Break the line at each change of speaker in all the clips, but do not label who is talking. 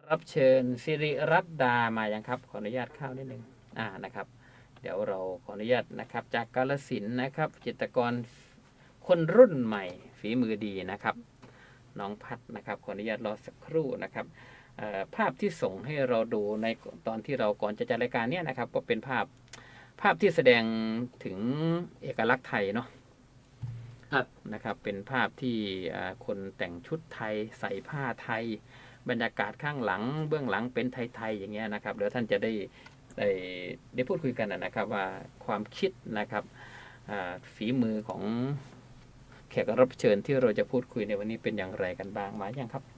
รับเชิญสิริรัตน์ดามายังครับขออนุญาตเข้านิดนึงนะครับ เดี๋ยวเราขออนุญาตนะครับจากกาฬสินธุ์นะครับจิตรกรคนรุ่นใหม่ฝีมือดีนะครับน้องพัดนะครับขออนุญาตรอสักครู่นะครับภาพที่ส่งให้เราดูในตอนที่เราก่อนจะจัดรายการเนี้ยนะครับก็เป็นภาพที่แสดงถึงเอกลักษณ์ไทยเนาะนะครับเป็นภาพที่คนแต่งชุดไทยใส่ผ้าไทยบรรยากาศข้างหลังเบื้องหลังเป็นไทยๆอย่างเงี้ยนะครับเดี๋ยวท่านจะได้พูดคุยกันนะครับว่าความคิดนะครับฝีมือของแขกรับเชิญที่เราจะพูดคุยในวันนี้เป็นอย่างไรกันบ้างมาอย่างครับ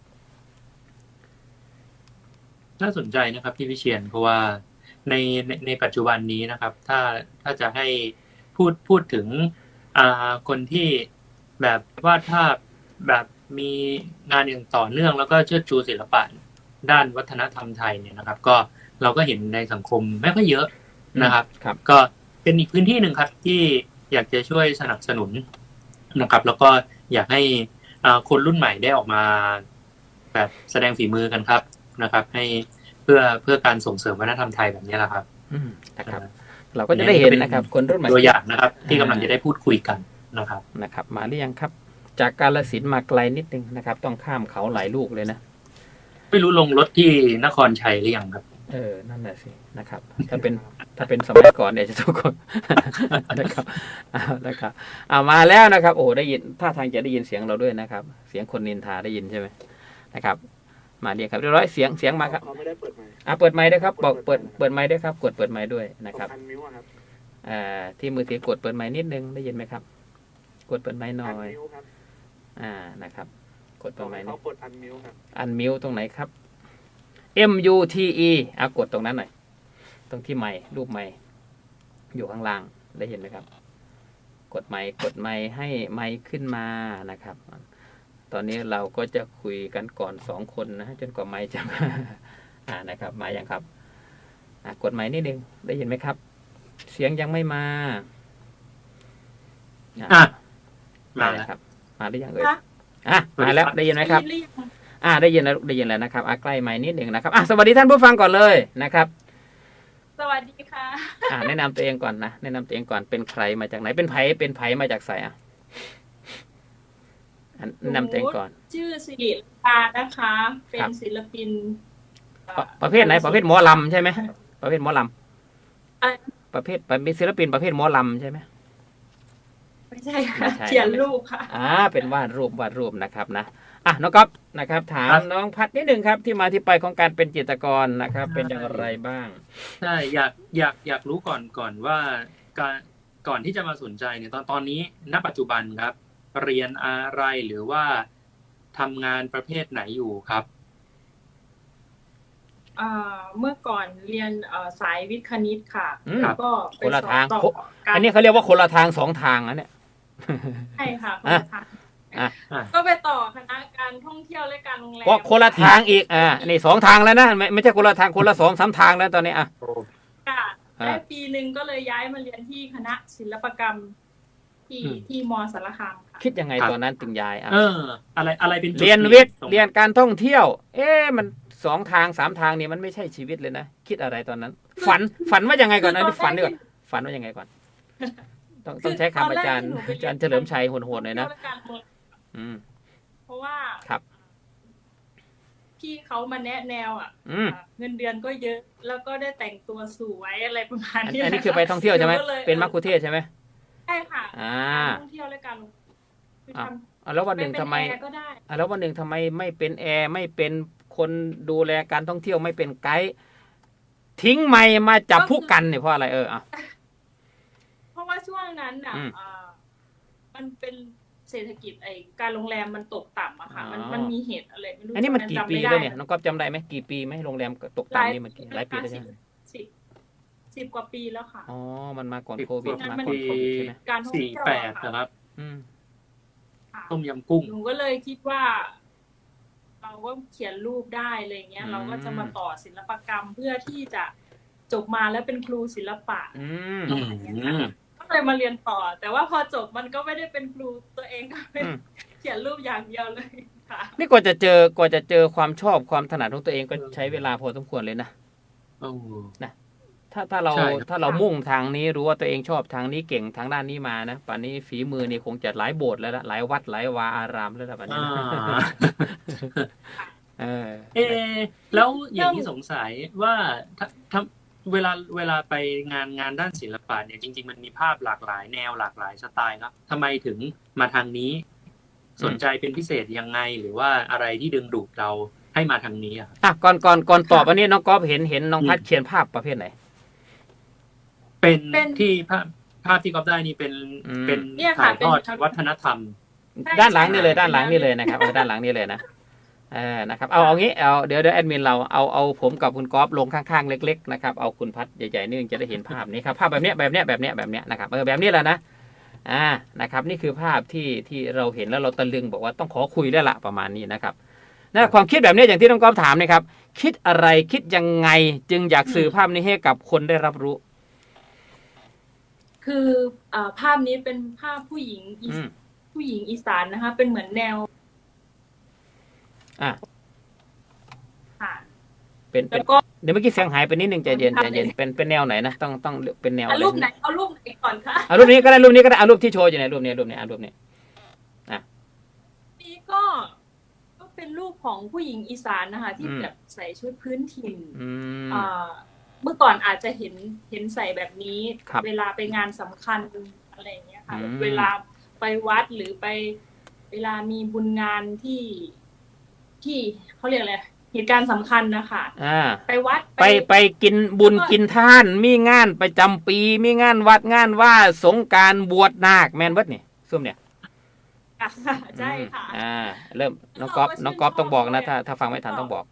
น่าสนใจนะครับพี่วิเชียรเพราะว่าในปัจจุบันนี้นะครับถ้าจะให้พูดถึงคนที่แบบวาดภาพแบบมีงานอย่างต่อเนื่องแล้วก็เชิดชูศิลปะด้านวัฒนธรรมไทยเนี่ยนะครับก็เราก็เห็นในสังคมไม่ค่อยเยอะนะครับก็เป็นอีกพื้นที่หนึ่งครับที่อยากจะช่วยสนับสนุนนะครับแล้วก็อยากให้คนรุ่นใหม่ได้ออกมาแบบแสดงฝีมือกันครับนะครับให้เพื่อการส่งเสริมวัฒนธรรมไทยแบบนี้แหละครับ
นะครับเราก็จะได้เห็นนะครับคนรุ่นใหม่
ตัวอย่างนะครับที่กำลังจะได้พูดคุยกันนะครับ
มาหรือยังครับจากกาฬสินธุ์มาไกลนิดนึงนะครับต้องข้ามเขาหลายลูกเลยนะ
ไม่รู้ลงรถที่นครชัยหรือยังครับ
นั่นแหละสินะครับถ้าเป็นสมัยก่อนเนี่ยจะทุกคนนะครับนะครับมาแล้วนะครับโอ้ได้ยินท่าทางจะได้ยินเสียงเราด้วยนะครับเสียงคนนินทาได้ยินใช่ไหมนะครับมาเรียกครับเรียบร้อยเสียงมาครับ
ไม่ได้เปิดไมค์
เปิดไมค์ด้วยครับบอกเปิดไมค์ด้วยครับกดเปิดไมค์ด้วยนะครับที่มือถือกดเปิดไมค์นิดนึงได้ยินไหมครับกดเปิดไมค์หน่อยนะครับกดเปิดไมค์นี่
กดอันมิวครับ
อันมิวตรงไหนครับ MUTE กดตรงนั้นหน่อยตรงที่ไมค์รูปไมค์อยู่ข้างล่างได้เห็นไหมครับกดไมค์ให้ไมค์ขึ้นมานะครับตอนนี้เราก็จะคุยกันก่อน2คนนะจนกว่าไมค์จะมานะครับมาอย่างครับกดไมค์นิดนึงได้ยินไหมครับเสียงยังไม่มามาแล้วครับมาหรือยังเอ่ยมาแล้วได้ยินไหมครับได้ยินแล้วนะครับใกล้ไมค์นิดนึงนะครับสวัสดีท่านผู้ฟังก่อนเลยนะครับ
สวัสดีค่ะ
แนะนำตัวเองก่อนนะแนะนำตัวเองก่อนเป็นใครมาจากไหนเป็นไผมาจากไสแนะนำตัวเองก่อน
ชื่อสิริลานะคะเป็นศิลปิน
ประเภทไหนประเภทหมอลำใช่ไหมประเภทหมอลำประเภทเป็นศิลปินประเภทหมอลำใช่ไหม
ไม่ใช่ค่ะเขียนรูปค่ะ
เป็นวาดรูปนะครับนะน้องก๊อฟนะครับถามน้องพัดนิดนึงครับที่มาที่ไปของการเป็นจิตรกรนะครับเป็นอย่างไรบ้าง
ใช่อยากรู้ก่อนว่าก่อนที่จะมาสนใจเนี่ยตอนนี้ณปัจจุบันครับเรียนอะไรหรือว่าทำงานประเภทไหนอยู่ครับ
เมื่อก่อนเรียนสายวิทย์คณิตค่ะแล้วก็
คนละทางอันนี้เขาเรียกว่าคนละทาง2 ทางนะเนี่ย
ใช่ค่ะคนละทางก็ไปต่อคณะการท่องเที่ยวและการโรงแรม
ว่าคนละทางอีกนี่2 ทางแล้วนะไม่ใช่คนละทางคนละ2-3 ทางแล้วตอนนี้
ค่ะได้ปีนึงก็เลยย้ายมาเรียนที่คณะศิลปกรรมที่ม.สารคามค่ะ
คิดยังไงตอนนั้นถึงย้าย
อะไรเป็น
เรียนวิทย์เรียนการท่องเที่ยวมัน2 ทาง 3 ทางนี่มันไม่ใช่ชีวิตเลยนะคิดอะไรตอนนั้นฝันว่ายังไงก่อนนะที่ฝันดีกว่าฝันว่ายังไงก่อนต้องใช้คำอาจารย์เฉลิมชัยโหดๆหน่อยนะ
เพราะว่า
ครับ
พี่เขามาแนะแนวเงินเดือนก็เยอะแล้วก็ได้แต่งตัวสวยอะไรประมาณนี้
อันนี้คือไปท่องเที่ยวใช่ไหมเป็นมัคคุเทศใช่ไหม
ใช่ค่ะท่องเที่ยวและการ
แล้ววันหนึ่งทำไมไม่เป็นแอร์ไม่เป็นคนดูแลการท่องเที่ยวไม่เป็นไกด์ทิ้งไมค์มาจับผู้กันเนี่ยเพราะอะไร
เพราะว่าช่วงนั้นมันเป็นเศรษฐกิจการโรงแรมมันตกต่ำอะค่ะมันมีเหตุอะไรไม่รู้
อันนี้มันกี่ปีแล้วเนี่ยน้องก๊อฟจำได้ไหมกี่ปีไหมโรงแรมตกต่ำนี่มันหลายปีแล้วใช่ไหม
10 กว่าปีแล้วค่ะ
มันมาก่อนโควิดมา
ก่อนโควิดใช่ไหมการท่องเที่ยว
นะครับต้มยำกุ้ง
หนูก็เลยคิดว่าเราก็เขียนรูปได้อะไรเงี้ยเราก็จะมาต่อศิลปกรรมเพื่อที่จะจบมาแล้วเป็นครูศิลปะก็เลยมาเรียนต่อแต่ว่าพอจบมันก็ไม่ได้เป็นครูตัวเองก็เป็นเขียนรูปอย่างเดียวเลยค่ะ
นี่กว่าจะเจอความชอบความถนัดของตัวเองก็ใช้เวลาพอสมควรเลยนะ
โอ้
ถ้าเรา
ใช่ครับ
ถ้าเรามุ่งทางนี้รู้ว่าตัวเองชอบทางนี้เก่งทางด้านนี้มานะป่านนี้ฝีมือนี่คงจะหลายโบสถ์แล้วละหลายวัดหลายวาอารามแล้วละป่านนี้
อ่า
นะ เออ
แล้วอย่างที่สงสัยว่าถ้าเวลาไปงานด้านศิลปะเนี่ยจริงๆมันมีภาพหลากหลายแนวหลากหลายสไตล์ครับทำไมถึงมาทางนี้สนใจเป็นพิเศษยังไงหรือว่าอะไรที่ดึงดูดเราให้มาทางนี้อะครับ
อ่ะก่อนตอบอันนี้น้องก๊อฟเห็นน้องพัดเขียนภาพประเภทไหน
เป็นที่ภาพที่ก๊อฟได้นี่เป็น
เนี่ย
ถ่า
ค่ะ
ยทอด
เป็น
วัฒนธรรม
ใช่
ด้านหลังนี่เลย
ใช่
ด้านหลังนี่เลยนะครับด้านหลังนี่เลยนะนะครับเอางี้เอาเดี๋ยวแอดมินเราเอาผมกับคุณก๊อฟลงข้างๆเล็กๆนะครับเอาคุณพัดใหญ่ๆนี่จะได้เห็นภาพนี้ครับภาพแบบเนี้ยนะครับแบบนี้แหละนะนะครับนี่คือภาพที่เราเห็นแล้วเราตะลึงบอกว่าต้องขอคุยแล้วละประมาณนี้นะครับนะความคิดแบบนี้อย่างที่น้องก๊อฟถามนะครับคิดอะไรคิดยังไงจึงอยากสื่อภาพนี้ให้กับคนได้รับรู้
คือภาพนี้เป็นภาพผู้หญิงอีสานนะคะ เป็นเหมือนแนว
อ่ะ
ค่ะ
เป็น
แล้วก็
เดี๋ยวเมื่อกี้เสียงหายไปนิดนึงใจเย็นเป็นแนวไหนนะต้องเป็นแนวอะไร
รูปไหนเอารูปไหนก่อนคะ
เอารูปนี้ก็ได้เอารูปที่โชว์อยู่ในรูปนี้
นี่ก็เป็นรูปของผู้หญิงอีสานนะคะ ที่แบบใส่ชุดพื้นถิ่นเมื่อก่อนอาจจะเห็นใส่แบบนี้ เวลาไปงานสำคัญอะไรอย่างเงี้ยค่ะเวลาไปวัดหรือไปเวลามีบุญงานที่เขาเรียกอะไรเหตุการณ์สำคัญนะคะไปวัด
ไปกินบุญกินท่านมีงานประจำปีมีงานวัดงานว่าสงกรานต์บวชนาคแมนเบิดนี่ซุ่มเนี่ย
ใช่ค่ะ
เริ่มน้องก๊อฟต้องบอกนะถ้าฟังไม่ทันต้องบอก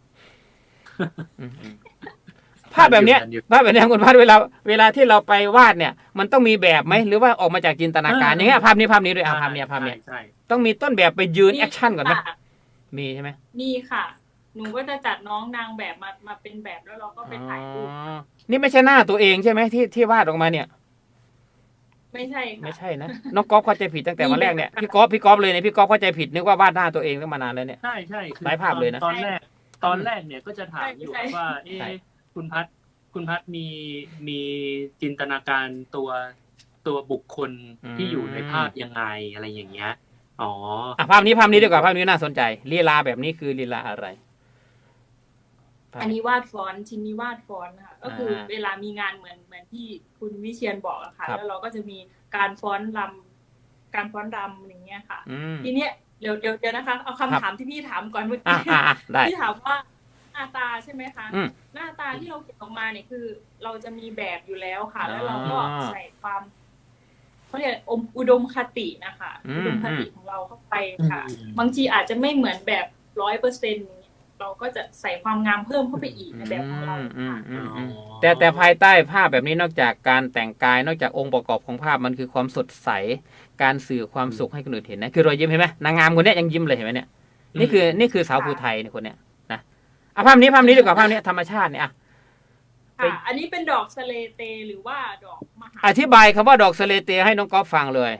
ภาพแบบนี้คุณพัดเวลาที่เราไปวาดเนี่ยมันต้องมีแบบไหมหรือว่าออกมาจากจินตนาการอย่างเงี้ยภาพนี้ด้วยภาพนี้ต้องมีต้นแบบไปยืนแอคชั่นก่อนไหมมีใช่ไหม
มีค่ะหนูก็จะจัดน้องนางแบบมาเป็นแบบแล้วเราก็ไปถ่ายรูป
นี่ไม่ใช่หน้าตัวเองใช่ไหมที่วาดออกมาเนี่ย
ไม่ใช่
นะน้องก๊อฟเข้าใจผิดตั้งแต่วันแรกเนี่ยพี่ก๊อฟเลยเนี่ยพี่ก๊อฟเข้าใจผิดนึกว่าวาดหน้าตัวเองตั้งมานานแล้วเนี่ย
ใช่
หลายภาพเลยนะ
ตอนแรกเนี่ยก็จะถามอยู่ว่าคุณพัดมีจินตนาการตัวบุคคลที่อยู่ในภาพยังไงอะไรอย่างเงี้ย
ภาพนี้ดีกว่าภาพนี้น่าสนใจลีลาแบบนี้คือลีลาอะไร
อันนี้วาดฟอนต์ชิ้นนี้วาดฟอนต์ค่ะก็คือเวลามีงานเหมือนที่คุณวิเชียรบอกอะค่ะแล้วเราก็จะมีการฟ้อนรำอย่างเงี้ยค่ะทีเนี้ยเดี๋ยวนะคะเอาคำถามที่พี่ถามก่อนเมื่อกี้พี่ถามว่าหน้าตาใช่ไหมคะหน้าตาที่เราเขียนออกมาเนี่ยคือเราจะมีแบบอยู่แล้วค่ะแล้วเราก็ใส่ความเขาเรียกอุดมคตินะคะอุดมคติของเราเข้าไปค่ะบางทีอาจจะไม่เหมือนแบบ 100%เราก็จะใส่ความงามเพิ่มเข้าไปอีกในแบบของเรา
แต่ภายใต้ภาพแบบนี้นอกจากการแต่งกายนอกจากองค์ประกอบของภาพมันคือความสดใสการสื่อความสุขให้คนอื่นเห็นนะคือรอยยิ้มเห็นไหมนางงามคนนี้ยังยิ้มเลยเห็นไหมเนี่ยนี่คือสาวภูไทยเนี่ยคนเนี้ยนะภาพนี้ดีกว่าภาพนี้ธรรมชาติเนี่ย
อันนี้เป็นดอกสะเลเตหรือว่าดอกมหา
อธิบายคำว่าดอกสะเลเตให้น้องก๊อฟฟังเลย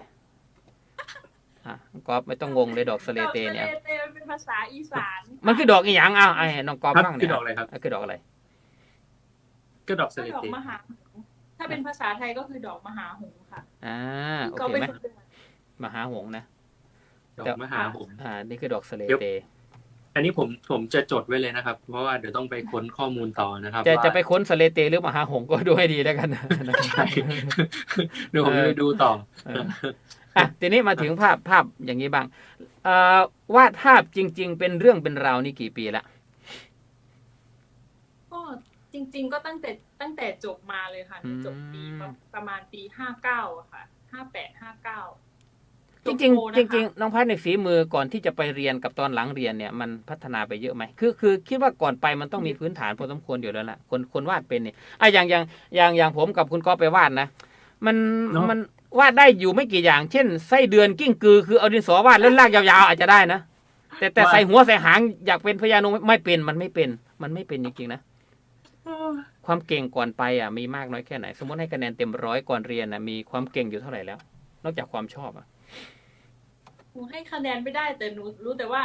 น้องก๊อฟไม่ต้องงงเลยดอกสะเลเตเนี่ย
ดอกสะเลเตมันเป็นภาษาอีสาน
มันคือดอกอีหยังไอ้น้องก๊อฟฟังเนี่ย
คือดอกอะไรครับ
คือดอกอะไร
ก็ดอกสะเลเต
มหาถ้าเป็นภาษาไทยก็คือดอกมหาหงส์ค่ะ
โอเคไหมมหาหงส์นะ
ดอกมหาหงส์
นี่คือดอกสะเลเต
อันนี้ผมจะจดไว้เลยนะครับเพราะว่าเดี๋ยวต้องไปค้นข้อมูลต่อนะครับ
จะไปค้นสะเลเตหรือมหาหงส์ก็ดูให้ดีแล้วกัน
ใช่เดี๋ยวผมไปดูต่อ
ทีนี้มาถึงภาพอย่างนี้บ้างวาดภาพจริงๆเป็นเรื่องเป็นราวนี่กี่ปีละ
ก็จริงๆก็ตั้งแต่จบมาเลยค่ะจบปีประมาณปี59ค่ะ58-59
จริงน้องพัดในฝีมือก่อนที่จะไปเรียนกับตอนหลังเรียนเนี่ยมันพัฒนาไปเยอะไหมคือคิดว่าก่อนไปมันต้องมีพื้นฐานพอสมควรอยู่แล้วล่ะคนวาดเป็นเนี่ยอย่างผมกับคุณก๊อฟไปวาดนะมันวาดได้อยู่ไม่กี่อย่างเช่นไส้เดือนกิ้งกือคือเอาดินสอวาดแล้วลากยาวๆอาจจะได้นะแต่ใส่หัวใส่หางอยากเป็นพญานาคไม่เป็นมันไม่เป็นจริงๆนะความเก่งก่อนไปมีมากน้อยแค่ไหนสมมติให้คะแนนเต็ม100ก่อนเรียนมีความเก่งอยู่เท่าไหร่แล้วนอกจากความชอบ
หนูให้คะแนนไม่ได้แต่หนูรู้แต่ว่า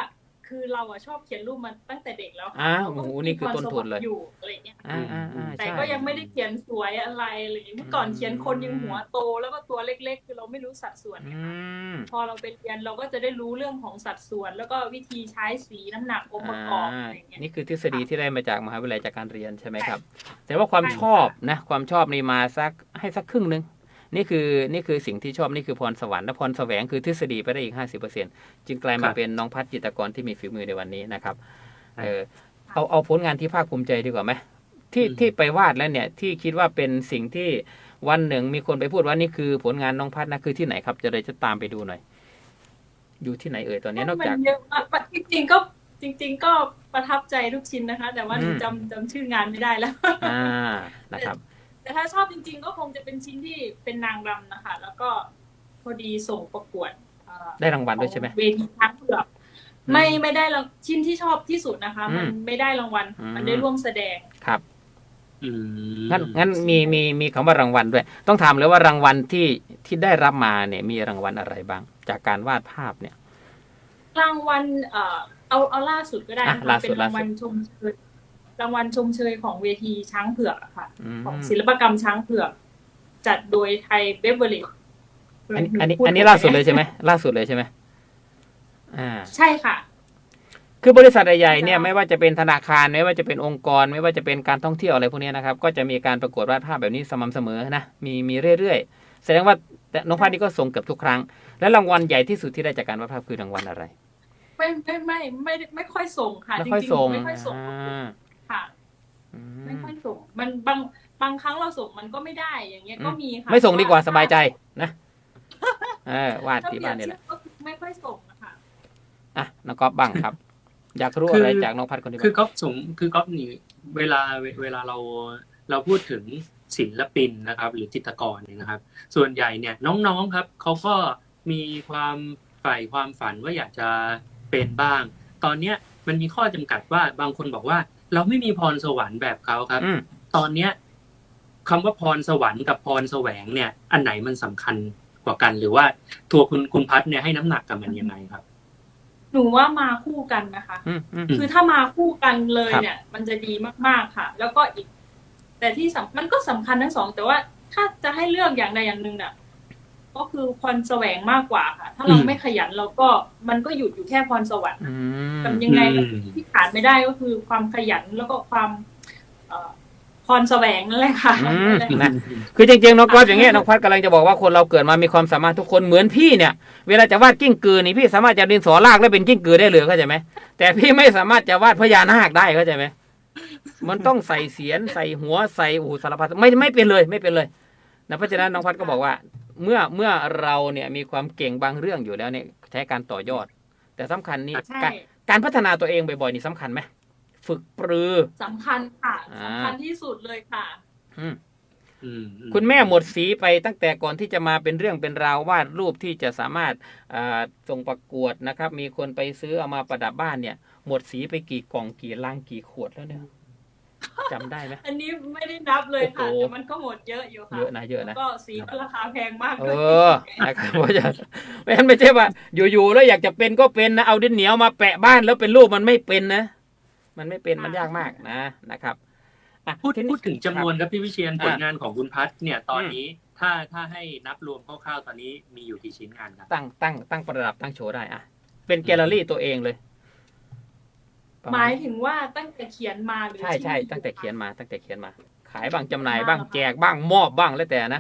คือเราอะชอบเขียนรูปมาตั้งแต่เด็กแล้วค่ะ
อ้าว
เราก็
โอ้โหนี่คือต้นทุนเลย
มีพรสวรรค์อยู่อะไรเงี้ย แต่
ใช่
ก็ยังไม่ได้เขียนสวยอะไรอะไรอย่างเงี้ยเมื่อก่อนเขียนคนยังหัวโตแล้วก็ตัวเล็กๆคือเราไม่รู้สัดส่วน
อื
ไงคะ
ม
พอเราไปเรียนเราก็จะได้รู้เรื่องของสัดส่วน แล้วก็วิธีใช้สีน้ำหนักองค์ประกอบอะไรอย่างเงี้ย
นี่คือทฤษฎีที่ได้มาจากมหาวิทยาลัยจากการเรียนใช่ไหมครับ แต่ว่าความชอบนะความชอบนี่มาให้สักครึ่งนึงนี่คือสิ่งที่ชอบนี่คือพรสวรรค์และพรแสวงคือทฤษฎีไปได้อีก 50% จึงกลายมาเป็นน้องพัฒน์จิตรกรที่มีฝีมือในวันนี้นะครับเอาผลงานที่ภาคภูมิใจดีกว่าไหมที่ไปวาดแล้วเนี่ยที่คิดว่าเป็นสิ่งที่วันหนึ่งมีคนไปพูดว่านี่คือผลงานน้องพัฒน์นะคือที่ไหนครับจะตามไปดูหน่อยอยู่ที่ไหนเอ่ยตอนนี้นอกจาก
เยอะมากจริงๆก็ประทับใจทุกชิ้นนะคะ แต่ว่าจำชื่องานไม่ได้แล้ว
นะครับ
แต่ถ้าชอบจริงๆก็คงจะเป็นชิ้นที่เป็นนางรำนะคะ แล้วก็พอดีส่งประกวด
ได้รางวัลด้วยใช่ไหม
เวทีช้างเผือกไม่ได้ชิ้นที่ชอบที่สุดนะคะ มันไม่ได้รางวัลมันได้ร่วมแสดง
ครับงั้นมีคำว่ารางวัลด้วย ต้องถามเลยว่ารางวัลที่ได้รับมาเนี่ยมีรางวัลอะไรบ้าง จากการวาดภาพเนี่ย
รางวัลเอาล่าสุดก็ได้นะคะเป็นรางวัลชมเชยของเวทีช้างเผือกอะค่ะ ของศิลปกรรมช้างเผือก จัดโดยไทยเบเวอร์เลจ
อันนี้ล่าสุดเลยใช่ไหมล่าสุดเลยใช่ไหม
ใช่ค่ะ
คือบริษัทใหญ่ๆเนี่ยไม่ว่าจะเป็นธนาคารไม่ว่าจะเป็นองค์กรไม่ว่าจะเป็นการท่องเที่ยวอะไรพวกนี้นะครับก็จะมีการประกวดวาดภาพแบบนี้สม่ำเสมอนะมีเรื่อยๆแสดงว่าน้องพัฒน์นี่ก็ส่งเกือบทุกครั้งและรางวัลใหญ่ที่สุดที่ได้จากการวาดภาพคือรางวัลอะไร
ไม่ค่อยส่งค่ะจริงๆไม่ค่อยส่งค่ะไม่ค่อยส่งมันบางครั้งเราส่งมันก็ไม่ได้อย่างเงี้ยก็มีค่ะ
ไม่ส่งดีกว่าสบายใจนะวาดที่บ้านนี่แหละ
ไม่ค่อยส่งนะคะ
น้องก๊อฟบ้างครับอยากรู้อะไรจากน้องพัฒน์คนนี้
คือก๊อฟนี่เวลาเราพูดถึงศิลปินนะครับหรือจิตรกรเนี่ยนะครับส่วนใหญ่เนี่ยน้องๆครับเขาก็มีความใฝ่ความฝันว่าอยากจะเป็นบ้างตอนเนี้ยมันมีข้อจำกัดว่าบางคนบอกว่าเราไม่มีพรสวรรค์แบบเขาครับตอนเนี้ยคำว่าพรสวรรค์กับพรแสวงเนี่ยอันไหนมันสำคัญกว่ากันหรือว่าตัวคุณพัฒน์เนี่ยให้น้ำหนักกับมันยังไงครับ
หนูว่ามาคู่กันนะคะคือถ้ามาคู่กันเลยเนี่ยมันจะดีมากๆค่ะแล้วก็อีกแต่ที่มันก็สำคัญทั้งสองแต่ว่าถ้าจะให้เลือกอย่างใดอย่างหนึ่งน่ะก็คือพรแสวงมากกว่าค่ะถ้าเราไม่ขยันเราก็มันก็หยุดอยู่แค่พรสวรรค์ทำยังไงที่ขาดไม่ได้ก็คือความขยันแล้วก็ความพรแสวงนั่นแหละค่ะ
คือจริงๆน้องก๊อฟอย่างเงี้ยน้องพัฒน์กำลังจะบอกว่าคนเราเกิดมามีความสามารถทุกคนเหมือนพี่เนี่ยเวลาจะวาดกิ้งกือนี่พี่สามารถจะดินสอลากแล้วเป็นกิ้งกือได้เลยเข้าใจไหมแต่พี่ไม่สามารถจะวาดพญานาคได้เข้าใจไหมมันต้องใส่เสียนใส่หัวใส่สารพัดไม่เป็นเลยนะเพราะฉะนั้นน้องพัฒน์ก็บอกว่าเมื่อเราเนี่ยมีความเก่งบางเรื่องอยู่แล้วเนี่ยใช้การต่อยอดแต่สำคัญนี่การพัฒนาตัวเองบ่อยๆนี่สำคัญไหมฝึกปรือ
สำคัญค่ะสำคัญที่สุดเลยค่ะ
คุณแม่หมดสีไปตั้งแต่ก่อนที่จะมาเป็นเรื่องเป็นราววาดรูปที่จะสามารถส่งประกวดนะครับมีคนไปซื้อเอามาประดับบ้านเนี่ยหมดสีไปกี่กล่องกี่ลังกี่ขวดแล้วเนี่ยจำได้ไหม
อันนี้ไม่ได้นับเลยค่ะแต่มันก็หมดเยอะอยู่ค่ะ
เยอะนะ
ก็สีก็ราคาแพงมาก
นะครับเพราะฉะนั้นไม่ใช่ว่าอยู่ๆแล้วอยากจะเป็นก็เป็นนะเอาดินเหนียวมาแปะบ้านแล้วเป็นรูปมันไม่เป็นนะมันไม่เป็นมันยากมากนะครับ
พูดถึงจำนวนครับพี่วิเชียรผลงานของคุณพัฒน์เนี่ยตอนนี้ถ้าให้นับรวมคร่าวๆตอนนี้มีอยู่กี่ชิ้นงานครับ
ตั้งประดับตั้งโชว์ได้เป็นแกลเลอรี่ตัวเองเลย
หมายถึงว่าตั้งแต่เขียนมาหรือ
ใช่ตั้งแต่เขียนมาขายบ้างจำหน่ายบ้างแจกบ้างมอบบ้างแล้วแต่นะ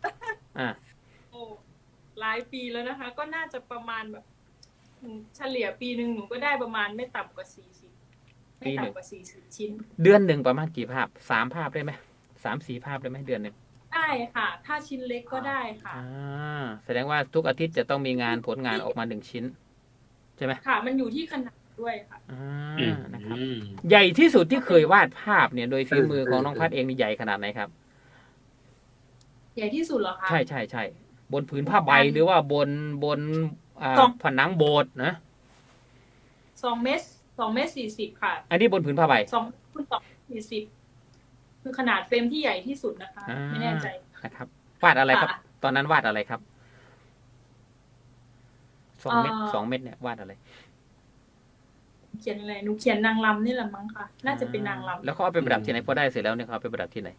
หลายปีแล้วนะคะก็น่าจะประมาณแบบเฉลี่ยปีนึงหนูก็ได้ประมาณไม่ต่ำกว่า40ไม่ต่ำกว่า40ชิ้น
เดือนหนึ่งประมาณกี่ภาพ3ภาพได้ไหม3-4 ภาพได้ไหมเดือนหนึ่ง
ได้ค่ะถ้าชิ้นเล็กก็ได้ค่ะ
แสดงว่าทุกอาทิตย์จะต้องมีงานผลงานออกมา1ชิ้นใช่ไหม
ค่ะมันอยู่ที่ขนาดด้วยค่ะ
นะครับใหญ่ที่สุดที่เคยวาดภาพเนี่ยโดยฝีมือของน้องพัฒน์เองนี่ใหญ่ขนาดไหนครับ
ใหญ่ที่สุดเหรอคะ
ใช่บนผืนผ้าใบหรือว่าบนผนังโบสถ์นะ
2 เมตร40ค่ะ
อันนี้บนผืนผ้าใบ
2 คูณ 2 40คือขนาดเฟรมที่ใหญ่ที่สุดนะคะไม่แน่ใจ
นะครับวาดอะไรครับตอนนั้นวาดอะไรครับ2 เมตรเนี่ยวาดอะไร
เขียนอะไรหนูเขียนนางรำนี่แหละมั้งค่ะ น่าจะเป็นนางรำ
แล้วเขาเอาไปประดับที่ไหนพอได้เสร็จแล้วเนี่ยเขาเอาไปประดับที่ไหน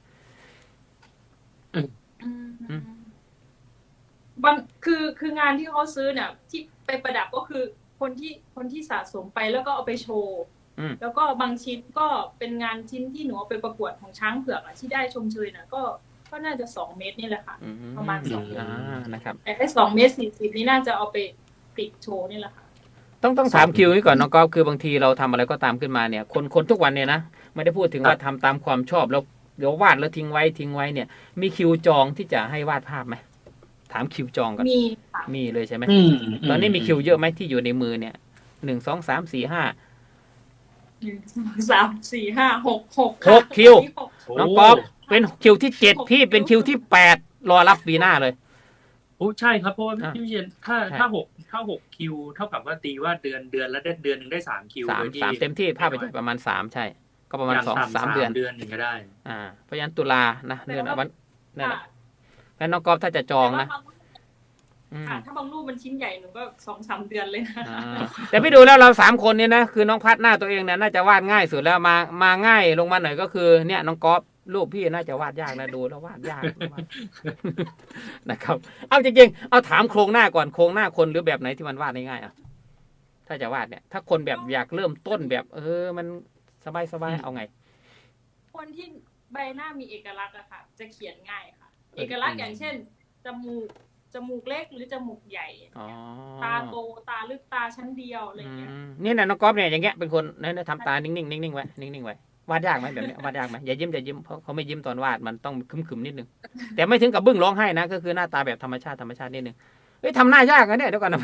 อืมบางคืองานที่เขาซื้อเนี่ยที่ไปประดับก็คือคนที่สะสมไปแล้วก็เอาไปโชว์ แล้วก็บางชิ้นก็เป็นงานชิ้นที่หนูเอาไปประกวดของช้างเผือกอะที่ได้ชมเชยน่ะก็น่าจะ2 เมตรนี่แหละค่ะประมาณ2 เมตร
นะครับ
แต่ไอ้2 เมตร 40นี่น่าจะเอาไปติดโชว์นี่แหละค่ะ
ต้องถามคิวนี้ก่อนน้องก๊อฟคือบางทีเราทำอะไรก็ตามขึ้นมาเนี่ยคนทุกวันเนี่ยนะไม่ได้พูดถึงว่าทำตามความชอบแล้วเดี๋ยววาดแล้วทิ้งไว้เนี่ย มีคิวจองที่จะให้วาดภาพไหมถามคิวจองก่อน
มีค่ะ
มีเลยใช่ไหมตอนนี้มีคิวเยอะไหมที่อยู่ในมือเนี่ย1 2 3 4 5
1 2 3 4 5 6
6คิวน้องก๊อฟเป็นคิวที่7พี่เป็นคิวที่8รอรับปีหน้าเลย
โอ้ใช่ครับเพราะว่าพี่วิเชียนถ้า6คิวเท่ากับว่าตีว่าเดือนละเดือนหนึ่งได้3คิว
3เต็มที่ภาพไปประมาณ3ใช่ก็ประมาณ2-3 เดือน
หนึ่งก็ได้
เพราะฉะนั้นตุลานะเดือนวันนั่นแหละแล้วน้องก๊อฟถ้าจะจองนะ
ถ้าบางรูปมันชิ้นใหญ่หนูก็ 2-3 เดือนเลยนะ
แต่พี่ดูแล้วเรา3 คนเนี่ยนะคือน้องพัดหน้าตัวเองเนี่ยน่าจะวาดง่ายสุดแล้วมาง่ายลงมาหน่อยก็คือเนี่ยน้องก๊อฟรูปพี่น่าจะวาดยากนะดูแล้ววาดยากนะครับเอาจริงๆเอาถามโครงหน้าก่อนโครงหน้าคนหรือแบบไหนที่มันวาดง่ายๆถ้าจะวาดเนี่ยถ้าคนแบบอยากเริ่มต้นแบบมันสบายเอาไง
คนที่ใบหน้ามีเอกลักษณ์อะค่ะจะเขียนง่ายค่ะเอกลักษณ์อย่างเช่นจมูกเล็กหรือจมูกใหญ่ตาโตตาลึกตาชั้นเดียวอะไรเงี้ย
นี่นะน้องก๊อฟเนี่ยอย่างเงี้ยเป็นคนเนี่ยทำตานิ่งๆไว้นิ่งๆไว้วาดยากไหมแบบนี้วาดยากไหมอย่ายิ้มเพราะเขาไม่ยิ้มตอนวาดมันต้องคึมๆนิดนึงแต่ไม่ถึงกับบึ้งร้องไห้นะก็คือหน้าตาแบบธรรมชาตินิดนึงเฮ้ยทำหน้ายากนะเนี่ยเดี๋ยวก่อนนะ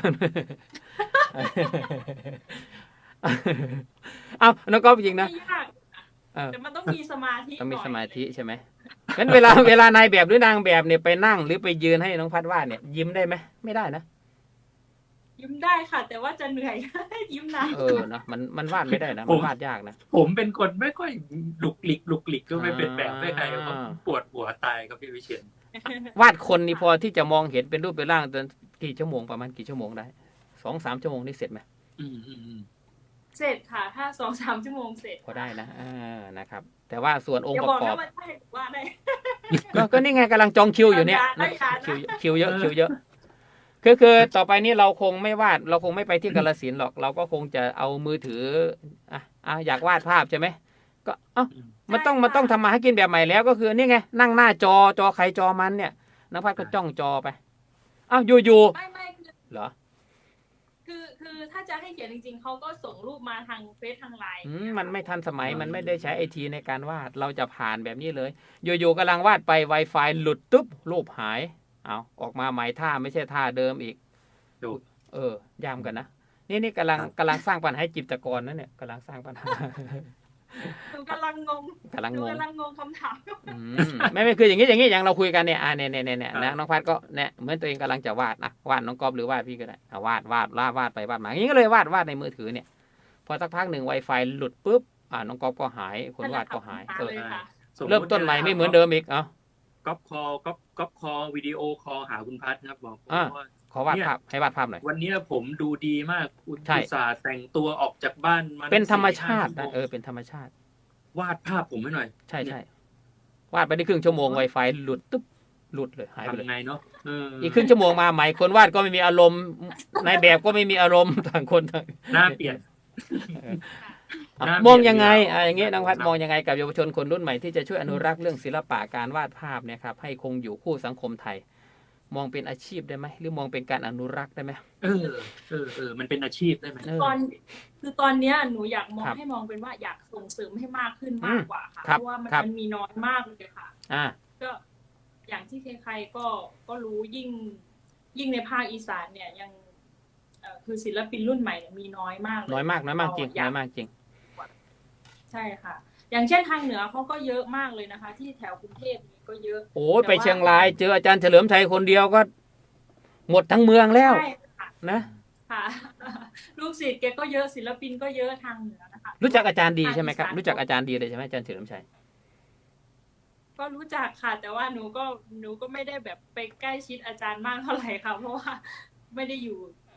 เอาน้องก๊อฟจริงนะ
แต่มันต้องมีสมาธิ
ต้องมีสมาธิใช่ไหมงั้นเวลานายแบบหรือนางแบบเนี่ยไปนั่งหรือไปยืนให้น้องพัดวาดเนี่ยยิ้มได้ไหมไม่ได้นะ
ยิ้มได้ค่ะแต่ว่าจะเหนื่อยยิ้มนาน
นะมันวาดไม่ได้นะมันวาดยากนะ
ผมเป็นคนไม่ค่อยลุกลิกก็ไม่เป็นแบบไม่ใครก็ปวดหัวตายครับพี่วิเชียร
วาดคนนี่พอที่จะมองเห็นเป็นรูปเป็นร่างจนกี่ชั่วโมงประมาณกี่ชั่วโมงได้2-3 ชั่วโมงนี่เสร็จไหม
เสร็จค่ะถ้า2-3 ชั่วโมงเสร็จ
พอได้นะนะครับแต่ว่าส่วนองค์ประกอบ
ว่าได้
ก็นี่ไงกำลังจองคิวอยู่เนี่ยคิวเยอะคือต่อไปนี้เราคงไม่วาดเราคงไม่ไปที่กาฬสินธุ์หรอกเราก็คงจะเอามือถืออยากวาดภาพใช่ไหมก็มันต้องทำมาให้กินแบบใหม่แล้วก็คือนี่ไงนั่งหน้าจอใครจอมันเนี่ยนักพัดก็จ้องจอไปอยู่
ไม่
เหรอ
คือถ้าจะให้เขียนจริงๆเขาก็ส่งรูปมาทางเฟซทางไลน์
มันไม่ทันสมัยมันไม่ได้ใช้ไอทีในการวาดเราจะผ่านแบบนี้เลยอยู่กำลังวาดไป Wi-Fi หลุดตุ๊บรูปหายออกมาใหม่ท่าไม่ใช่ท่าเดิมอีกยามกันนะนี่กำลังสร้างปัญหาให้จิตรกรนะเนี่ยกำลังสร้างปัญหา
กำลังงงคำถาม
ไม่คืออย่างนี้อย่างเราคุยกันเนี่ยเนี่ยนะน้องพัดก็เนี่ยเหมือนตัวเองกำลังจะวาดวาดน้องก๊อฟหรือวาดพี่ก็ได้วาดไปวาดมาอย่างนี้ก็เลยวาดในมือถือเนี่ยพอสักพักหนึ่ง Wi-Fi หลุดปุ๊บน้องก๊อฟก็หายคนวาดก็หายเริ่มต้นใหม่ไม่เหมือนเดิมอีก
ก๊อปคอวิดีโอคอหาคุณพัดครับบอก
ว่าขอวาดภาพให้วาดภาพหน่อย
วันนี้ผมดูดีมากคุณอุตส่าห์แต่งตัวออกจากบ้านมา
เป็นธรรมชาตินะเป็นธรรมชาติ
วาดภาพผมให้หน่อย
ใช่วาดไปได้ครึ่งชั่วโมง Wi-Fi หลุดเลยหายไปเลย
ทำไงเนาะ
อีกครึ่งชั่วโมงมาใหม่คนวาดก็ไม่มีอารมณ์ในแบบก็ไม่มีอารมณ์ต่างคนต่าง
หน้าเปลี่ยน
มองยังไงอย่างเงี้ยน้องพัดมองยังไงกับเยาวชนคนรุ่นใหม่ที่จะช่วยอนุรักษ์เรื่องศิลปะการวาดภาพเนี่ยครับให้คงอยู่คู่สังคมไทยมองเป็นอาชีพได้ไหมหรือมองเป็นการอนุรักษ์ได้ไหม
มันเป็นอาชีพได้ไหม
ตอนนี้หนูอยากให้มองเป็นว่าอยากส่งเสริมให้มากขึ้นมากกว่าค่ะเพราะว่ามันมีน้อยมากเลยค่ะก็อย่างที่ใครๆก็รู้ยิ่งในภาคอีสานเนี่ยยังคือศิลปินรุ่นใหม่มีน้อยมาก
น้อยมากจริง
ใช่ค่ะอย่างเช่นทางเหนือเขาก็เยอะมากเลยนะคะที่แถวกรุงเทพนี่ก็เยอะ
โอ้ไปเชียงรายเจออาจารย์เฉลิมชัยคนเดียวก็หมดทั้งเมืองแล้วนะ
ค่ะลูกศิษย์แกก็เยอะศิลปินก็เยอะทางเหนือนะคะ
รู้จักอาจารย์ดีใช่ไหมครับรู้จักอาจารย์ดีเลยใช่ไหมอาจารย์เฉลิมชัย
ก็รู้จักค่ะแต่ว่าหนูก็ไม่ได้แบบไปใกล้ชิดอาจารย์มากเท่าไหร่ค่ะเพราะว่าไม่ได้อยู่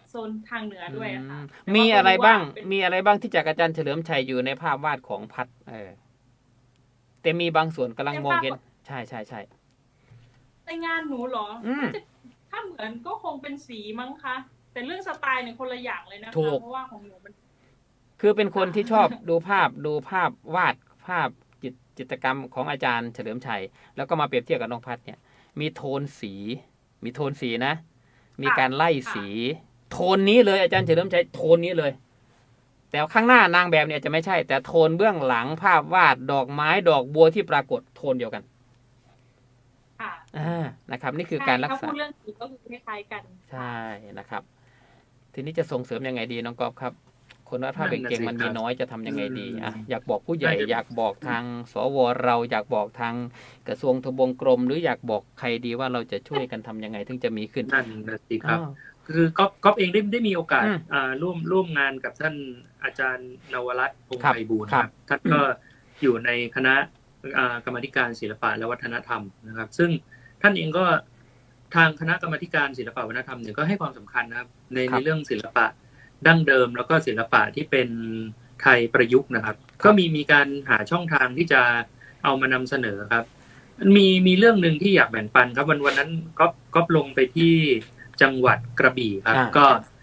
โซนทางเหนือด้วยอะค่ะ
มีอะไรบ้าง
แต่ว่
มีอะไรบ้างที่จากอาจารย์เฉลิมชัยอยู่ในภาพวาดของพัดแต่มีบางส่วนกำลังมองเห็นใช่ใช่ใช่
ในงานหนูเหรอ
อืม
น่าจะถ้าเหมือนก็คงเป็นสีมั้งคะแต่เรื่องสไตล์เนี่ยคนละอย่างเลยนะคะ
ถูก
เพราะว่าของหนูมัน
คือเป็นคนที่ชอบดูภาพวาดภาพจิตรกรรมของอาจารย์เฉลิมชัยแล้วก็มาเปรียบเทียบกับน้องพัดเนี่ยมีโทนสีนะ มีการไล่สี โทนนี้เลยอาจารย์เฉลิมชัยโทนนี้เลย แต่ข้างหน้านางแบบเนี่ยจะไม่ใช่ แต่โทนเบื้องหลังภาพวาดดอกไม้ดอกบัวที่ปรากฏโทนเดียวกัน
ค่ะ
นะครับ นี่คือการรัก
ถ้า
ษา
พูดเรื่องสีก็คือคล้ายๆกัน
ใช่นะครับ ทีนี้จะส่งเสริมยังไงดีน้องกอล์ฟครับ คนวาดภาพเก่งๆมันมีน้อยจะทำยังไงดีอยากบอกผู้ใหญ่อยากบอกทางสวเราอยากบอกทางกระทรวงทบวงกรมหรืออยากบอกใครดีว่าเราจะช่วยกันทำยังไงถึงจะมีขึ้น
นั่นนะสิครับ คือก๊อฟเองได้มีโอกาสร่วมงานกับท่านอาจารย์นวรัตน์พงษ์ไพบูลย์ครับท่านก็อยู่ในคณะกรรมาธิการศิลปะและวัฒนธรรมนะครับ ซึ่งท่านเองก็ทางคณะกรรมาธิการศิลปะวัฒนธรรมเนี่ยก็ให้ความสำคัญนะครับในเรื่องศิลปะดั้งเดิมแล้วก็ศิลปะที่เป็นไทยประยุกต์นะครับ ก็มีการหาช่องทางที่จะเอามานำเสนอครับมีเรื่องหนึ่งที่อยากแบ่งปันครับวันนั้นก๊อฟลงไปที่จังหวัดกระบี่ครับก็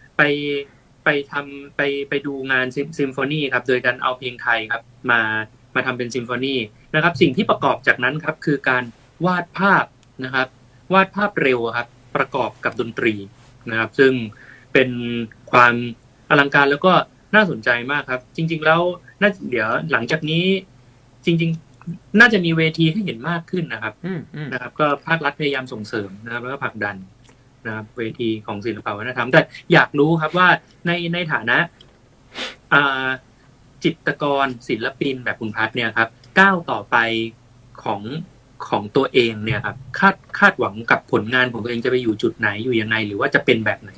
ไปดูงานซิมโฟนีครับโดยการเอาเพลงไทยครับมาทำเป็นซิมโฟนีนะครับสิ่งที่ประกอบจากนั้นครับคือการวาดภาพนะครับวาดภาพเร็วครับประกอบกับดนตรีนะครับซึ่งเป็นความอลังการแล้วก็น่าสนใจมากครับจริงๆแล้วเดี๋ยวหลังจากนี้จริงๆน่าจะมีเวทีให้เห็นมากขึ้นนะครับนะครับก็ภาครัฐพยายามส่งเสริมนะครับแล้วก็ผลักดันนะครับเวทีของศิลปวัฒนธรรมแต่อยากรู้ครับว่าในฐานะจิตรกรศิลปินแบบคุณพัฒน์เนี่ยครับก้าวต่อไปของตัวเองเนี่ยครับคาดหวังกับผลงานของตัวเองจะไปอยู่จุดไหนอยู่ยังไงหรือว่าจะเป็นแบบไหน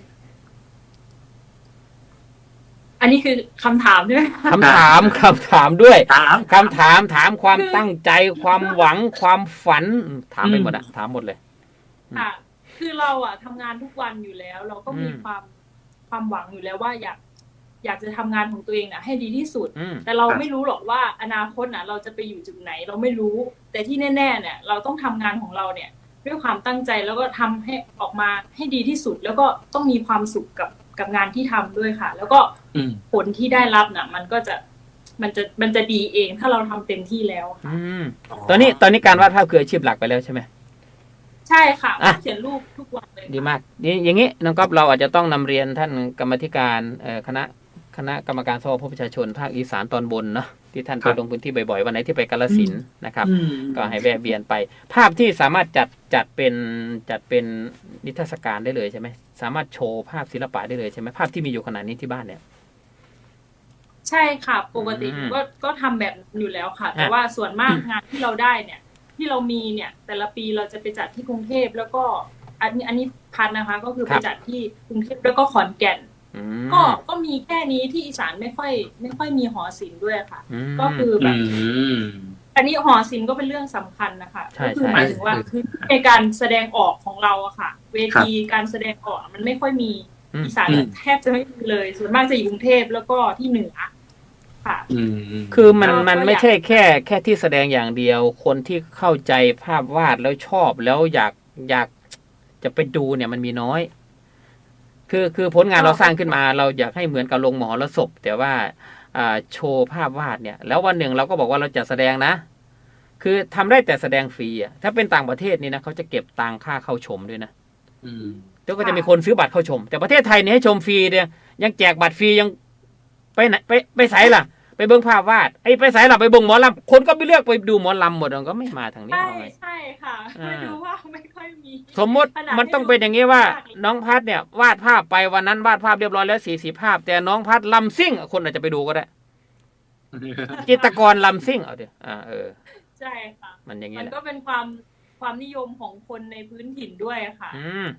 อันนี้คือคำถามใช่ไหม
คำถามด้วยคำถามความตั้งใจความหวังความฝันถามไปหมดถามหมดเลย
ค่ะคือเราทำงานทุกวันอยู่แล้วเราก็มีความหวังอยู่แล้วว่าอยากจะทำงานของตัวเองให้ดีที่สุดแต่เราไม่รู้หรอกว่าอนาคตเราจะไปอยู่จุดไหนเราไม่รู้แต่ที่แน่ๆเนี่ยเราต้องทำงานของเราเนี่ยด้วยความตั้งใจแล้วก็ทำให้ออกมาให้ดีที่สุดแล้วก็ต้องมีความสุขกับงานที่ทำด้วยค่ะแล้วก็ผลที่ได้รับน่ะมันจะดีเองถ้าเราทำเต็มที่แล้วค่ะ
ตอนนี้การวาดภาพคืออาชีพหลักไปแล้วใช่ไหม
ใช่ค่ะเขียนรูปทุกวันเลย
ดีมากอย่างนี้น้องก๊อฟเราอาจจะต้องนำเรียนท่านกรรมธิการคณะกรรมการสภาผู้ประชาชนภาคอีสานตอนบนเนาะที่ท่านไปลงพื้นที่บ่อยๆวันไหนที่ไปกาฬสินธุ์นะครับก็ให้แวะเวียนไปภาพที่สามารถจัดเป็นนิทรรศการได้เลยใช่ไหมสามารถโชว์ภาพศิลปะได้เลยใช่ไหมภาพที่มีอยู่ขนาดนี้ที่บ้านเนี่ย
ใช่ค่ะปกติก็ทำแบบอยู่แล้วค่ะแต่ว่าส่วนมากงานที่เราได้เนี่ยที่เรามีเนี่ยแต่ละปีเราจะไปจัดที่กรุงเทพแล้วก็อันนี้พันนะคะก็คือไปจัดที่กรุงเทพแล้วก็ขอนแก่นก็มีแค่นี้ที่อีสานไม่ค่อยมีหอศิลป์ด้วยค่ะก็คือแบบอันนี้หอศิลป์ก็เป็นเรื่องสำคัญนะคะก็คือหมายถึงว่าคือในการแสดงออกของเราอะค่ะเวทีการแสดงออกมันไม่ค่อยมีอีสานแทบจะไม่มีเลยส่วนมากจะอยู่กรุงเทพแล้วก็ที่เหนือค่ะ
คือมันไม่ใช่แค่ที่แสดงอย่างเดียวคนที่เข้าใจภาพวาดแล้วชอบแล้วอยากจะไปดูเนี่ยมันมีน้อยคือผลงานเราสร้างขึ้นมาเราอยากให้เหมือนกับลงมหรสพแต่ว่าโชว์ภาพวาดเนี่ยแล้ววันหนึ่งเราก็บอกว่าเราจะแสดงนะคือทำได้แต่แสดงฟรีถ้าเป็นต่างประเทศนี่นะเขาจะเก็บตังค่าเข้าชมด้วยนะแล้วก็จะมีคนซื้อบัตรเข้าชมแต่ประเทศไทยเนี่ยให้ชมฟรีเนี่ยยังแจกบัตรฟรียังไปไหนไปไสล่ะไปเบิ่งภาพวาดไปไสล่ะไปเบิ่งหมอลำคนก็ไปเลือกไปดูหมอลำหมดก็ไม่มาทางนี้
ใช่ค่ะไม่ดูว่าไม่ค่อยมี
สมมติมันต้องเป็นอย่างนี้ว่าน้องพัดเนี่ยวาดภาพไปวันนั้นวาดภาพเรียบร้อยแล้ว40 ภาพแต่น้องพัดลำซิ่งคนอาจจะไปดูก็ได้จิตรกรลำซิ่งเอาดิ
ใช่ค่ะ
มันอย่างนี้
มันก็เป็นความนิยมของคนในพื้นถิ่นด้วยค่ะ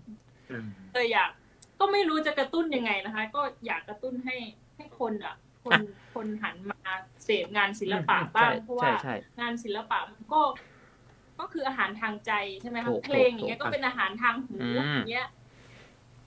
ก็ไม่รู้จะกระตุ้นยังไงนะคะก็อยากกระตุ้นให้คนหันมาเสพงานศิลปะบ้างเพราะว่างานศิลปะมันก็คืออาหารทางใจใช่ไหมคะเพลงอย่างเงี้ยก็เป็นอาหารทางหูอย่างเงี้ย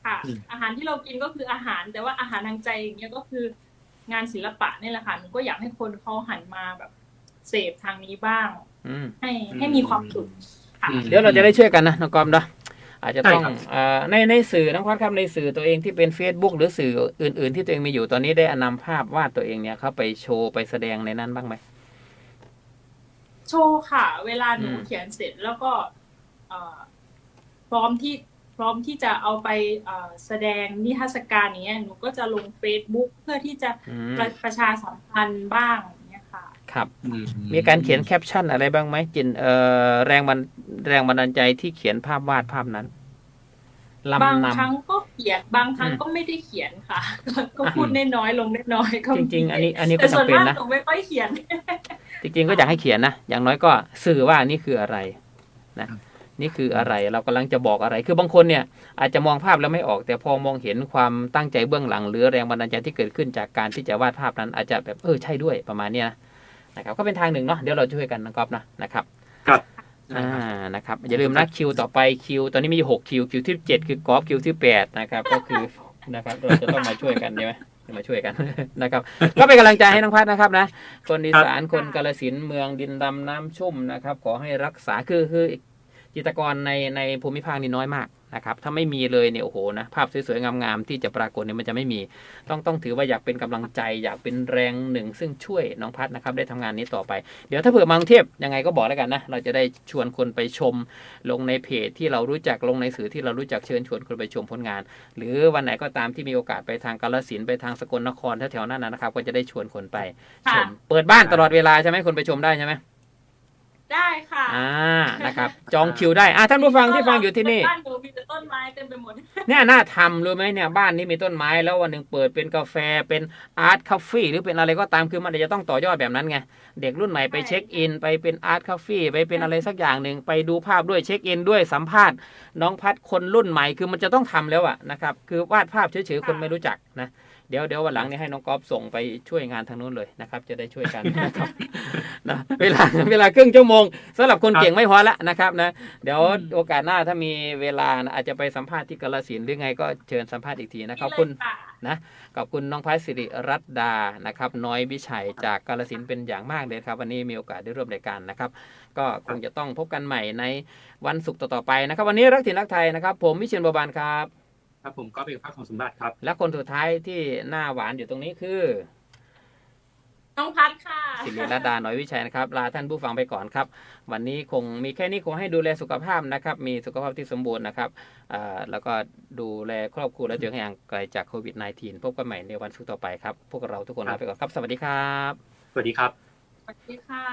ค่ะ อาหารที่เรากินก็คืออาหารแต่ว่าอาหารทางใจอย่างเงี้ยก็คืองานศิลปะนี่แหละค่ะหนูก็อยากให้คนเขาหันมาแบบเสพทางนี้บ้าง
อืม
ให้มีความสุขค่ะ
เดี๋ยวเราจะได้ช่วยกันนะน้องกอมเนาะอาจจะต้อง
ใช่ครับ
ในสื่อน้องพัดครับในสื่อตัวเองที่เป็น Facebook หรือสื่ออื่นๆที่ตัวเองมีอยู่ตอนนี้ได้นำภาพวาดตัวเองเนี่ยเข้าไปโชว์ไปแสดงในนั้นบ้างไหม
โชว์ค่ะ เวลาหนู
อืม
เขียนเสร็จแล้วก็เอ่อพร้อมที่จะเอาไปแสดงนิทรรศการอย่างเงี้ยหนูก็จะลง Facebook เพื่อที่จะ
อืม
ประชาสัมพันธ์บ้างอย่างเงี้ยค่ะ
ครับ มีการเขียนแคปชั่นอะไรบ้างไหมจินแรงบันดาลใจที่เขียนภาพวาดภาพนั้น
บาง
ลำน
ครั้งก็เขียนบางครั้งก็ไม่ได้เขียนค่ะ ก็พูดน้อยๆลงน้อยๆก็
ำจริง ๆ อันนี้ก็
แต่ส่วน
จำเป็น
มาก
นะ
หนูไม่ค่อยเขียน
จริงๆก็อยากให้เขียนนะอย่างน้อยก็สื่อว่านี่คืออะไรนะนี่คืออะไรเรากำลังจะบอกอะไรคือบางคนเนี่ยอาจจะมองภาพแล้วไม่ออก แต่พอมองเห็นความตั้งใจเบื้องหลัง หรือแรงบันดาลใจที่เกิดขึ้นจากการที่จะวาดภาพนั้น อาจจะแบบใช่ด้วยประมาณเนี้ยนะครับก็เป็นทางหนึ่งเนาะเดี๋ยวเราช่วยกันนะครับนะครับ นะครับอย่าลืมนะคิวต่อไปคิวตอนนี้มีอยู่6คิวที่7คือกอล์ฟคิวที่8นะครับก็คือนะครับเราจะต้องมาช่วยกันใช่ไหมมาช่วยกัน นะครับก็เป็นกำลังใจให้น้องพัดนะครับนะคนอีสานคนกาฬสินธุ์เมืองดินดำน้ำชุ่มนะครับขอให้รักษาคือจิตรกรในภูมิภาคนี้น้อยมากนะครับถ้าไม่มีเลยเนี่ยโอ้โหนะภาพสวยๆงามๆที่จะปรากฏเนี่ยมันจะไม่มีต้องถือว่าอยากเป็นกำลังใจอยากเป็นแรงหนึ่งซึ่งช่วยน้องพัดนะครับได้ทำงานนี้ต่อไปเดี๋ยวถ้าเผื่อมากรุงเทพยังไงก็บอกแล้วกันนะเราจะได้ชวนคนไปชมลงในเพจที่เรารู้จักลงในสื่อที่เรารู้จักเชิญชวนคนไปชมผลงาน หรือวันไหนก็ตามที่มีโอกาสไปทางกาฬสินธุ์ไปทางสกลนครแถวๆนั้นนะครับก็จะได้ชวนคนไปชมเปิดบ้านตลอดเวลาใช่ไหมคนไปชมได้ใช่ไหม
ได้ค่ะ
นะครับจองคิวได้ท่านผู้ฟังที่ฟังอยู่ที่นี่
บ้านหนูมีแต่ต้นไม้เต็มไปหมด
เนี่ยน่าทำรู้ไหมเนี่ยบ้านนี้มีต้นไม้แล้ววันหนึ่งเปิดเป็นกาแฟเป็นอาร์ตคาเฟ่หรือเป็นอะไรก็ตามคือมันจะต้องต่อยอดแบบนั้นไงเด็กรุ่นใหม่ไปเช็คอินไปเป็นอาร์ตคาเฟ่ไปเป็นอะไรสักอย่างหนึ่งไปดูภาพด้วยเช็คอินด้วยสัมภาษณ์น้องพัดคนรุ่นใหม่คือมันจะต้องทำแล้วอะนะครับคือวาดภาพเฉยๆคนไม่รู้จักนะเดี๋ยววันหลังนี้ให้น้องก๊อฟส่งไปช่วยงานทางนู้นเลยนะครับจะได้ช่วยกันนะครับนะเวลาครึ่งชั่วโมงสำหรับคนเก่งไม่พอละนะครับนะเดี๋ยวโอกาสหน้าถ้ามีเวลานะอาจจะไปสัมภาษณ์ที่กาฬสินธุ์หรือไงก็เชิญสัมภาษณ์อีกทีนะขอบคุณนะขอบคุณน้องพัชสิริรัตน์ดานะครับน้อยวิชัยจากกาฬสินธุ์เป็นอย่างมากเลยครับวันนี้มีโอกาสได้ร่วมรายการนะครับก็คงจะต้องพบกันใหม่ในวันศุกร์ต่อๆไปนะครับวันนี้รักถิ่นรักไทยนะครับผมวิเชียรบัวบานครับ
ครับผมก็เป็นภาคของสมบัติครับ
และคนสุดท้ายที่หน้าหวานอยู่ตรงนี้คือ
น้องพัดค่ะ
สิริรัตน์ดาน้อยวิชัยนะครับลาท่านผู้ฟังไปก่อนครับวันนี้คงมีแค่นี้คงให้ดูแลสุขภาพนะครับมีสุขภาพที่สมบูรณ์นะครับแล้วก็ดูแลครอบครัวและตัวเองให้ห่างไกลจากโควิด -19 พบกันใหม่ในวันศุกร์ต่อไปครับพวกเราทุกคนลาไปก่อนครับสวัสดีครับ
สวัสดีครับ
สวัสดีค่ะ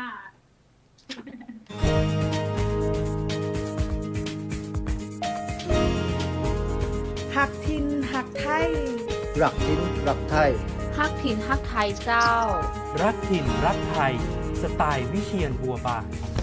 หักทินหักไทย
รักทินรักไทย
ฮักถิ่นฮักไทยเจ้า
รักถิ่นรักไทยสไตล์วิเชียรบัวบาน